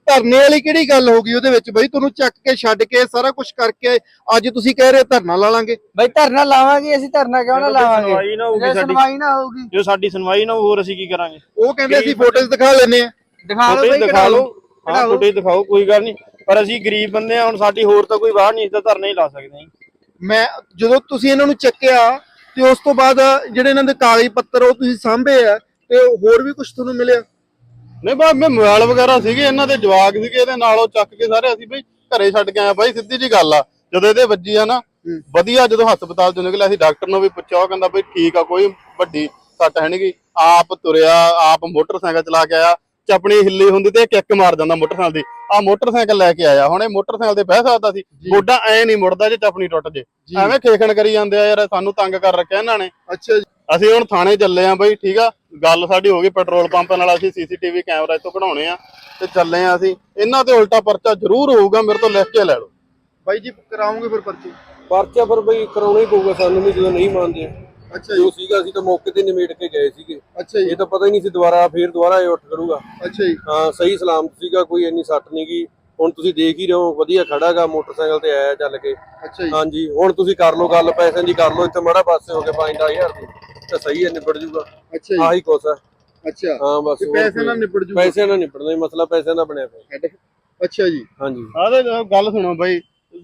Speaker 3: ਧਰਨੇ ਵਾਲੀ ਕਿਹੜੀ ਗੱਲ ਹੋ ਗਈ ਉਹਦੇ ਵਿੱਚ ਬਈ? ਤੁਹਾਨੂੰ ਚੱਕ ਕੇ ਛੱਡ ਕੇ ਸਾਰਾ ਕੁਝ ਕਰਕੇ ਅੱਜ ਤੁਸੀਂ ਕਹਿ ਰਹੇ ਧਰਨਾ ਲਾ ਲਾਂਗੇ।
Speaker 2: ਬਈ ਧਰਨਾ ਲਾਵਾਂਗੇ ਅਸੀਂ, ਧਰਨਾ ਕਿਉਂ ਨਾ ਲਾਵਾਂਗੇ?
Speaker 5: ਸੁਣਵਾਈ ਨਾ ਹੋਊਗੀ
Speaker 2: ਜੇ
Speaker 5: ਸਾਡੀ,
Speaker 2: ਸੁਣਵਾਈ ਨਾ ਹੋਊਗੀ,
Speaker 5: ਜੋ ਸਾਡੀ ਸੁਣਵਾਈ ਨਾ ਹੋਊ, ਹੋਰ ਅਸੀਂ ਕੀ ਕਰਾਂਗੇ?
Speaker 3: ਉਹ ਕਹਿੰਦੇ ਅਸੀਂ ਫੋਟੋਜ਼ ਦਿਖਾ ਲੈਨੇ ਆ।
Speaker 2: ਦਿਖਾ ਲਓ
Speaker 5: ਫੁਟੇਜ
Speaker 2: ਬਈ,
Speaker 5: ਦਿਖਾ ਲਓ, ਹਾਂ
Speaker 2: ਕਢਾ ਲਓ।
Speaker 5: ਫੁਟੇਜ ਦਿਖਾਓ, ਕੋਈ ਗੱਲ ਨਹੀਂ, ਪਰ ਅਸੀਂ ਗਰੀਬ ਬੰਦੇ ਆ, ਹੁਣ ਸਾਡੀ ਹੋਰ ਤਾਂ ਕੋਈ ਬਾਹਰ ਨਹੀਂ, ਇਸ ਦਾ ਧਰਨਾ ਹੀ ਲਾ ਸਕਦੇ ਹਾਂ।
Speaker 3: ਮੈਂ ਜਦੋਂ ਤੁਸੀਂ ਇਹਨਾਂ ਨੂੰ ਚੱਕਿਆ ਤੇ ਉਸ ਤੋਂ ਬਾਅਦ ਜਿਹੜੇ ਇਹਨਾਂ ਦੇ ਕਾਗਜ਼ ਪੱਤਰ ਉਹ ਤੁਸੀਂ ਸਾਂਭੇ ਆ ਤੇ ਹੋਰ ਵੀ ਕੁਝ ਤੁਹਾਨੂੰ ਮਿਲਿਆ?
Speaker 1: ਨਹੀਂ ਬਾ ਮੈਂ ਮੋਬਾਈਲ ਵਗੈਰਾ ਸੀਗੇ, ਇਹਨਾਂ ਦੇ ਜਵਾਕ ਸੀਗੇ, ਇਹਦੇ ਨਾਲ ਉਹ ਚੱਕ ਕੇ ਸਾਰੇ ਅਸੀਂ ਬਈ ਘਰੇ ਛੱਡ ਕੇ ਆਏ ਬਾਈ, ਸਿੱਧੀ ਜੀ ਗੱਲ ਆ। ਜਦੋਂ ਇਹਦੇ ਵੱਜੀ ਆ ਨਾ ਵਧੀਆ, ਜਦੋਂ ਹਸਪਤਾਲ ਚੋਂ ਨਿਕਲਿਆ ਅਸੀਂ ਡਾਕਟਰ ਨੂੰ ਵੀ ਪੁੱਛਿਆ, ਉਹ ਕਹਿੰਦਾ ਬਈ ਠੀਕ ਆ, ਕੋਈ ਵੱਡੀ ਸੱਟ ਹੈ ਨੀ। ਆਪ ਤੁਰਿਆ, ਆਪ ਮੋਟਰਸਾਈਕਲ ਚਲਾ ਕੇ ਆਇਆ, ਚਪਣੀ ਹਿੱਲੀ ਹੁੰਦੀ ਤੇ ਕਿੱਕ ਮਾਰ ਜਾਂਦਾ ਮੋਟਰਸਾਈਕਲ ਦੀ। ਆ ਮੋਟਰਸਾਈਕਲ ਲੈ ਕੇ ਆਇਆ, ਹੁਣ ਇਹ ਮੋਟਰਸਾਈਕਲ ਤੇ ਬਹਿ ਸਕਦਾ ਸੀ? ਗੋਡਾ ਐ ਨਹੀਂ ਮੁੜਦਾ ਜੇ ਚਪਣੀ ਟੁੱਟ ਜੇ। ਐਵੇਂ ਖੇਖਣ ਕਰੀ ਜਾਂਦੇ ਆ ਯਾਰ, ਸਾਨੂੰ ਤੰਗ ਕਰ ਰੱਖਿਆ ਇਹਨਾਂ ਨੇ।
Speaker 3: ਅੱਛਾ ਜੀ,
Speaker 1: ਅਸੀਂ ਹੁਣ ਥਾਣੇ ਚੱਲੇ ਆ ਬਈ, ਠੀਕ ਆ, ਗੱਲ ਸਾਡੀ ਹੋ ਗਈ ਪੈਟਰੋਲ ਪੰਪ ਨਾਲ, ਅਸੀਂ ਸੀਸੀਟੀਵੀ ਕੈਮਰਾ ਇੱਥੋਂ ਕਢਾਉਣੇ ਆ ਤੇ ਚੱਲੇ ਆ ਅਸੀਂ। ਇਹਨਾਂ ਤੇ ਉਲਟਾ ਪਰਚਾ ਜ਼ਰੂਰ ਹੋਊਗਾ, ਮੇਰੇ ਤੋਂ ਲਿਖ ਕੇ ਲੈ ਲਓ
Speaker 3: ਬਾਈ ਜੀ ਕਰਾਉਂਗੇ ਫਿਰ ਪਰਚੀ?
Speaker 4: ਪਰਚਾ ਪਰ ਬਈ ਕਰਾਉਣਾ ਹੀ ਪਊਗਾ ਸਾਨੂੰ ਵੀ, ਜਦੋਂ ਨਹੀਂ ਮੰਨਦੇ।
Speaker 3: ਅੱਛਾ
Speaker 4: ਜੋ ਸੀਗਾ ਅਸੀਂ ਤਾਂ ਮੌਕੇ ਤੇ ਨਿਮੇੜ ਕੇ ਗਏ ਸੀਗੇ।
Speaker 3: ਅੱਛਾ ਜੀ,
Speaker 4: ਇਹ ਤਾਂ ਪਤਾ ਹੀ ਨਹੀਂ ਸੀ ਦੁਬਾਰਾ ਫੇਰ ਦੁਬਾਰਾ ਇਹ ਉੱਠ ਖੜੂਗਾ।
Speaker 3: ਅੱਛਾ ਜੀ,
Speaker 4: ਹਾਂ ਸਹੀ ਸਲਾਮਤ ਸੀਗਾ, ਕੋਈ ਇੰਨੀ ਸੱਟ ਨਹੀਂ ਗਈ। ਹੁਣ ਤੁਸੀਂ ਦੇਖ ਹੀ ਰਹੇ ਹੋ, ਵਧੀਆ ਖੜਾਗਾ ਮੋਟਰਸਾਈਕਲ ਤੇ ਆਇਆ ਚੱਲ ਕੇ।
Speaker 3: ਅੱਛਾ ਜੀ,
Speaker 4: ਹਾਂਜੀ ਹੁਣ ਤੁਸੀਂ ਕਰ ਲਓ ਗੱਲ ਪੈਸਿਆਂ ਦੀ, ਕਰ ਲਓ ਇੱਥੇ ਮਾੜਾ ਪਾਸੇ ਹੋ ਕੇ ਪੰਜ ਦਸ ਹਜ਼ਾਰ ਦੀ ਤਾਂ ਸਹੀ ਹੈ, ਨਿਬੜ ਜੂਗਾ।
Speaker 3: ਅੱਛਾ ਜੀ,
Speaker 4: ਆਹੀ ਕੁਛ ਹੈ।
Speaker 3: ਅੱਛਾ
Speaker 4: ਹਾਂ ਬਸ
Speaker 3: ਤੇ
Speaker 4: ਹੋਰ
Speaker 3: ਪੈਸੇ
Speaker 4: ਕੋਈ-
Speaker 3: ਨਾਲ ਨਿਬੜ ਜੂ?
Speaker 4: ਪੈਸੇ ਨਾਲ ਨਿਬੜਨਾ ਹੀ ਮਸਲਾ, ਪੈਸਿਆਂ ਦਾ ਬਣਿਆ ਪਿਆ।
Speaker 3: ਅੱਛਾ ਜੀ,
Speaker 4: ਹਾਂਜੀ
Speaker 1: ਆਦੇ ਗੱਲ ਸੁਣੋ ਬਾਈ,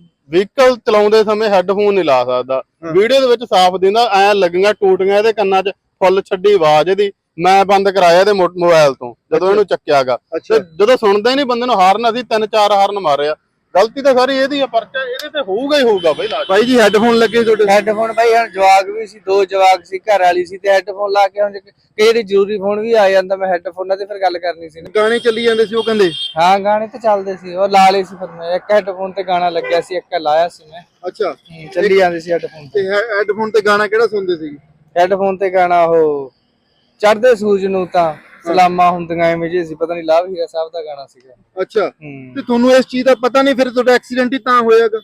Speaker 1: ਵਹੀਕਲ ਚਲਾਉਂਦੇ ਸਮੇਂ ਹੈੱਡਫੋਨ ਨਹੀਂ ਲਾ ਸਕਦਾ। ਵੀਡੀਓ ਦੇ ਵਿੱਚ ਸਾਫ਼ ਦਿੰਦਾ, ਐ ਲੱਗੀਆਂ ਟੂਟੀਆਂ ਇਹਦੇ ਕੰਨਾਂ 'ਚ, ਫੁੱਲ ਛੱਡੀ ਆਵਾਜ਼ ਇਹਦੀ। ਮੈਂ ਬੰਦ ਕਰਾਇਆ ਇਹਦੇ ਮੋਬਾਈਲ ਤੋਂ ਜਦੋਂ ਇਹਨੂੰ ਚੱਕਿਆਗਾ।
Speaker 3: ਅੱਛਾ
Speaker 1: ਜਦੋਂ ਸੁਣਦਾ ਹੀ ਨਹੀਂ ਬੰਦੇ ਨੂੰ, ਹਾਰਨ ਅਸੀਂ ਤਿੰਨ ਚਾਰ ਹਾਰਨ ਮਾਰਿਆ। ਗਲਤੀ ਤਾਂ ਸਾਰੀ ਇਹਦੀ ਆ, ਪਰਚਾ ਇਹਦੇ ਤੇ ਹੋਊਗਾ ਹੀ ਹੋਊਗਾ ਬਾਈ। ਲਾਜ
Speaker 3: ਬਾਈ ਜੀ ਹੈੱਡਫੋਨ ਲੱਗੇ ਤੁਹਾਡੇ?
Speaker 2: ਹੈੱਡਫੋਨ ਬਾਈ ਹੁਣ ਜਵਾਕ ਵੀ ਸੀ, ਦੋ ਜਵਾਕ ਸੀ, ਘਰ ਵਾਲੀ ਸੀ, ਤੇ ਹੈੱਡਫੋਨ ਲਾ ਕੇ ਹੁਣ ਜੇ ਕਈ ਵਾਰੀ ਜ਼ਰੂਰੀ ਫੋਨ ਵੀ ਆ ਜਾਂਦਾ, ਮੈਂ ਹੈੱਡਫੋਨਾਂ ਤੇ ਫਿਰ ਗੱਲ ਕਰਨੀ ਸੀ ਨਾ।
Speaker 3: ਗਾਣੇ ਚੱਲੀ ਜਾਂਦੇ ਸੀ ਉਹ ਕਹਿੰਦੇ?
Speaker 2: ਹਾਂ ਗਾਣੇ ਤੇ ਚੱਲਦੇ ਸੀ, ਉਹ ਲਾ ਲਏ ਸੀ ਫਿਰ ਮੈਂ। ਇੱਕ ਹੈੱਡਫੋਨ ਤੇ ਗਾਣਾ ਲੱਗਿਆ ਸੀ, ਇੱਕ ਲਾਇਆ ਸੀ ਮੈਂ।
Speaker 3: ਅੱਛਾ,
Speaker 2: ਹੂੰ, ਚੱਲੀ ਜਾਂਦੇ ਸੀ ਹੈੱਡਫੋਨ ਤੇ।
Speaker 3: ਤੇ ਹੈੱਡਫੋਨ ਤੇ ਗਾਣਾ ਕਿਹੜਾ ਸੁਣਦੇ ਸੀ?
Speaker 2: ਹੈੱਡਫੋਨ ਤੇ ਗਾਣਾ ਉਹ ਚੜ੍ਹਦੇ ਸੂਰਜ ਨੂੰ ਤਾਂ ਸਲਾਮਾਂ ਹੁੰਦੀਆਂ ਐਵੇਂ ਜੇ ਸੀ, ਪਤਾ ਨਹੀਂ ਲਾਭ ਹੀਰਾ ਸਾਹਿਬ ਦਾ ਗਾਣਾ ਸੀਗਾ।
Speaker 3: ਅੱਛਾ,
Speaker 2: ਹੂੰ
Speaker 3: ਤੇ ਤੁਹਾਨੂੰ ਇਸ ਚੀਜ਼ ਦਾ ਪਤਾ ਨਹੀਂ ਫਿਰ? ਤੁਹਾਡਾ ਐਕਸੀਡੈਂਟ ਹੀ ਤਾਂ ਹੋਇਆਗਾ।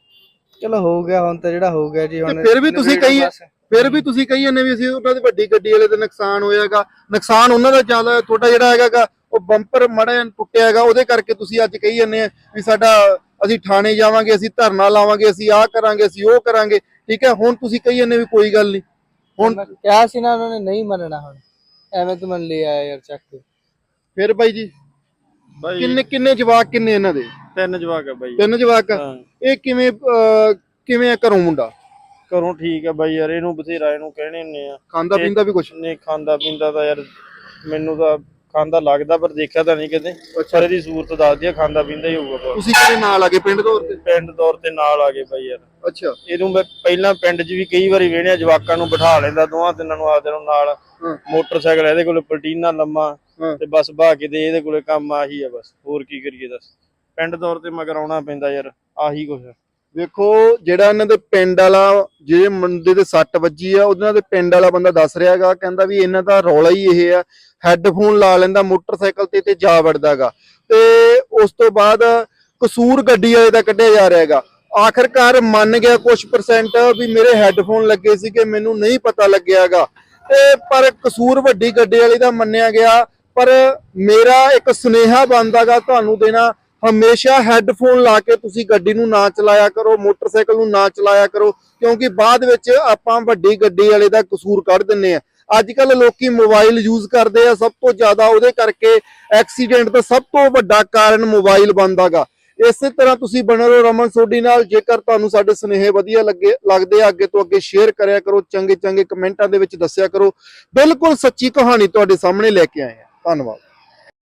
Speaker 2: ਚਲੋ ਹੋ ਗਿਆ ਹੁਣ ਤਾਂ ਜਿਹੜਾ ਹੋ ਗਿਆ ਜੀ। ਹੁਣ
Speaker 3: ਫਿਰ ਵੀ ਤੁਸੀਂ ਕਹੀ
Speaker 2: ਬਸ।
Speaker 3: ਫਿਰ ਵੀ ਤੁਸੀਂ ਕਹੀ ਜਾਂਦੇ ਵੀ ਅਸੀਂ ਉਹਨਾਂ ਦੀ ਵੱਡੀ ਗੱਡੀ ਵਾਲੇ ਦਾ ਨੁਕਸਾਨ ਹੋਇਆਗਾ। ਨੁਕਸਾਨ ਉਹਨਾਂ ਦਾ ਜ਼ਿਆਦਾ, ਤੁਹਾਡਾ ਜਿਹੜਾ ਹੈਗਾ ਉਹ ਬੰਪਰ ਮਾੜਾ ਜਿਹਾ ਟੁੱਟਿਆ ਹੈਗਾ, ਉਹਦੇ ਕਰਕੇ ਤੁਸੀਂ ਅੱਜ ਕਹੀ ਜਾਂਦੇ ਆ ਵੀ ਸਾਡਾ, ਅਸੀਂ ਥਾਣੇ ਜਾਵਾਂਗੇ, ਅਸੀਂ ਧਰਨਾ ਲਾਵਾਂਗੇ, ਅਸੀਂ ਆਹ ਕਰਾਂਗੇ, ਅਸੀਂ ਉਹ ਕਰਾਂਗੇ। ਠੀਕ ਹੈ, ਹੁਣ ਤੁਸੀਂ ਕਹੀ ਜਾਂਦੇ ਵੀ ਕੋਈ ਗੱਲ ਨਹੀਂ। ਹੁਣ
Speaker 2: ਮੈਂ ਕਿਹਾ ਸੀ ਨਾ, ਉਹਨਾਂ ਨੇ ਨਹੀਂ ਮੰਨਣਾ। ਹੁਣ ਐਵੇਂ ਤੂੰ ਮੰਨ ਲਿਆ ਯਾਰ ਚੱਕ ਕੇ।
Speaker 3: ਫਿਰ ਬਾਈ ਜੀ
Speaker 5: ਬਾਈ
Speaker 3: ਕਿੰਨੇ ਕਿੰਨੇ ਜਵਾਕ ਕਿੰਨੇ ਇਹਨਾਂ ਦੇ?
Speaker 5: ਤਿੰਨ ਜਵਾਕ ਆ ਬਾਈ।
Speaker 3: ਤਿੰਨ ਜਵਾਕ ਆ।
Speaker 5: ਹਾਂ
Speaker 3: ਇਹ ਕਿਵੇਂ ਅਹ, ਕਿਵੇਂ ਆ ਘਰੋਂ ਮੁੰਡਾ?
Speaker 5: ਘਰੋਂ ਠੀਕ ਆ ਬਾਈ ਯਾਰ, ਇਹਨੂੰ ਬਥੇਰਾ ਇਹਨੂੰ ਕਹਿਣੇ ਹੁੰਨੇ ਆ।
Speaker 3: ਖਾਂਦਾ ਪੀਂਦਾ ਵੀ ਕੁਛ?
Speaker 5: ਨਹੀਂ ਖਾਂਦਾ ਪੀਂਦਾ ਤਾਂ ਯਾਰ ਮੈਨੂੰ ਤਾਂ ਖਾਂਦਾ ਲੱਗਦਾ, ਪਰ ਦੇਖਿਆ ਤਾਂ ਨਹੀਂ ਕਦੇ। ਪਰ ਇਹਦੀ ਸੂਰਤ ਦੱਸਦੀ ਆ ਖਾਂਦਾ ਪੀਂਦਾ ਹੀ ਹੋਊਗਾ ਬਹੁਤ।
Speaker 3: ਤੁਸੀਂ ਕਿਹਦੇ ਨਾਲ ਆ ਗਏ ਪਿੰਡ ਤੌਰ ਤੇ?
Speaker 5: ਪਿੰਡ ਦੌਰ ਤੇ ਨਾਲ ਆ ਗਏ ਬਾਈ ਯਾਰ।
Speaker 3: ਅੱਛਾ,
Speaker 5: ਇਹਨੂੰ ਮੈਂ ਪਹਿਲਾਂ ਪਿੰਡ 'ਚ ਵੀ ਕਈ ਵਾਰੀ ਵੇਹਣਿਆ, ਜਵਾਕਾਂ ਨੂੰ ਬਿਠਾ ਲੈਂਦਾ ਦੋਵਾਂ ਤਿੰਨਾਂ ਨੂੰ ਆਪਦੇ ਨੂੰ ਨਾਲ।
Speaker 3: ਹਾਂ।
Speaker 5: ਮੋਟਰਸਾਈਕਲ ਇਹਦੇ ਕੋਲ ਪਲਟੀਨਾ ਲੰਮਾ,
Speaker 3: ਹਾਂ।
Speaker 5: ਤੇ ਬਸ ਬਹਾ ਕੇ ਦੇ ਇਹਦੇ ਕੋਲੇ ਕੰਮ ਆਹੀ ਆ ਬਸ, ਹੋਰ ਕੀ ਕਰੀਏ ਦੱਸ। ਪਿੰਡ ਦੌਰ ਤੇ ਮਗਰ ਆਉਣਾ ਪੈਂਦਾ ਯਾਰ, ਆਹੀ ਕੁਛ ਆ।
Speaker 3: ਵੇਖੋ ਜਿਹੜਾ ਇਹਨਾਂ ਦੇ ਪਿੰਡ ਵਾਲਾ, ਜਿਹੜੇ ਮੁੰਡੇ ਦੇ ਸੱਟ ਵੱਜੀ ਆ, ਉਹਨਾਂ ਦੇ ਪਿੰਡ ਵਾਲਾ ਬੰਦਾ ਦੱਸ ਰਿਹਾਗਾ, ਕਹਿੰਦਾ ਵੀ ਇਹਨਾਂ ਦਾ ਰੌਲਾ ਹੀ ਇਹ ਆ, ਹੈੱਡਫੋਨ ਲਾ ਲੈਂਦਾ ਮੋਟਰਸਾਈਕਲ ਤੇ ਤੇ ਜਾ ਵੜਦਾਗਾ। ਤੇ ਉਸ ਤੋਂ ਬਾਅਦ ਕਸੂਰ ਗੱਡੀ ਵਾਲੇ ਦਾ ਕੱਢਿਆ ਜਾ ਰਿਹਾਗਾ। ਆਖਰਕਾਰ ਮੰਨ ਗਿਆ ਕੁਝ ਪਰਸੈਂਟ ਵੀ ਮੇਰੇ ਹੈੱਡਫੋਨ ਲੱਗੇ ਸੀਗੇ, ਮੈਨੂੰ ਨਹੀਂ ਪਤਾ ਲੱਗਿਆਗਾ। ਤੇ ਪਰ ਕਸੂਰ ਵੱਡੀ ਗੱਡੀ ਵਾਲੇ ਦਾ ਮੰਨਿਆ ਗਿਆ। ਪਰ ਮੇਰਾ ਇੱਕ ਸੁਨੇਹਾ ਬਣਦਾਗਾ ਤੁਹਾਨੂੰ ਦੇਣਾ, ਹਮੇਸ਼ਾ ਹੈੱਡਫੋਨ ਲਾ ਕੇ ਤੁਸੀਂ ਗੱਡੀ ਨੂੰ ਨਾ ਚਲਾਇਆ ਕਰੋ, ਮੋਟਰਸਾਈਕਲ ਨੂੰ ਨਾ ਚਲਾਇਆ ਕਰੋ, ਕਿਉਂਕਿ ਬਾਅਦ ਵਿੱਚ ਆਪਾਂ ਵੱਡੀ ਗੱਡੀ ਵਾਲੇ ਦਾ ਕਸੂਰ ਕੱਢ ਦਿੰਨੇ ਆ। ਅੱਜ ਕੱਲ ਲੋਕੀ ਮੋਬਾਈਲ ਯੂਜ਼ ਕਰਦੇ ਆ ਸਭ ਤੋਂ ਜ਼ਿਆਦਾ, ਉਹਦੇ ਕਰਕੇ ਐਕਸੀਡੈਂਟ ਦਾ ਸਭ ਤੋਂ ਵੱਡਾ ਕਾਰਨ ਮੋਬਾਈਲ ਬਣਦਾਗਾ। ਇਸੇ ਤਰ੍ਹਾਂ ਤੁਸੀਂ ਬਣੇ ਰਹੋ ਰਮਨ ਸੋਢੀ ਨਾਲ। ਜੇਕਰ ਤੁਹਾਨੂੰ ਸਾਡੇ ਸੁਨੇਹੇ ਵਧੀਆ ਲੱਗੇ ਲੱਗਦੇ ਆ, ਅੱਗੇ ਤੋਂ ਅੱਗੇ ਸ਼ੇਅਰ ਕਰਿਆ ਕਰੋ, ਚੰਗੇ ਚੰਗੇ ਕਮੈਂਟਾਂ ਦੇ ਵਿੱਚ ਦੱਸਿਆ ਕਰੋ। ਬਿਲਕੁਲ ਸੱਚੀ ਕਹਾਣੀ ਤੁਹਾਡੇ ਸਾਹਮਣੇ ਲੈ ਕੇ ਆਏ ਆ। ਧੰਨਵਾਦ।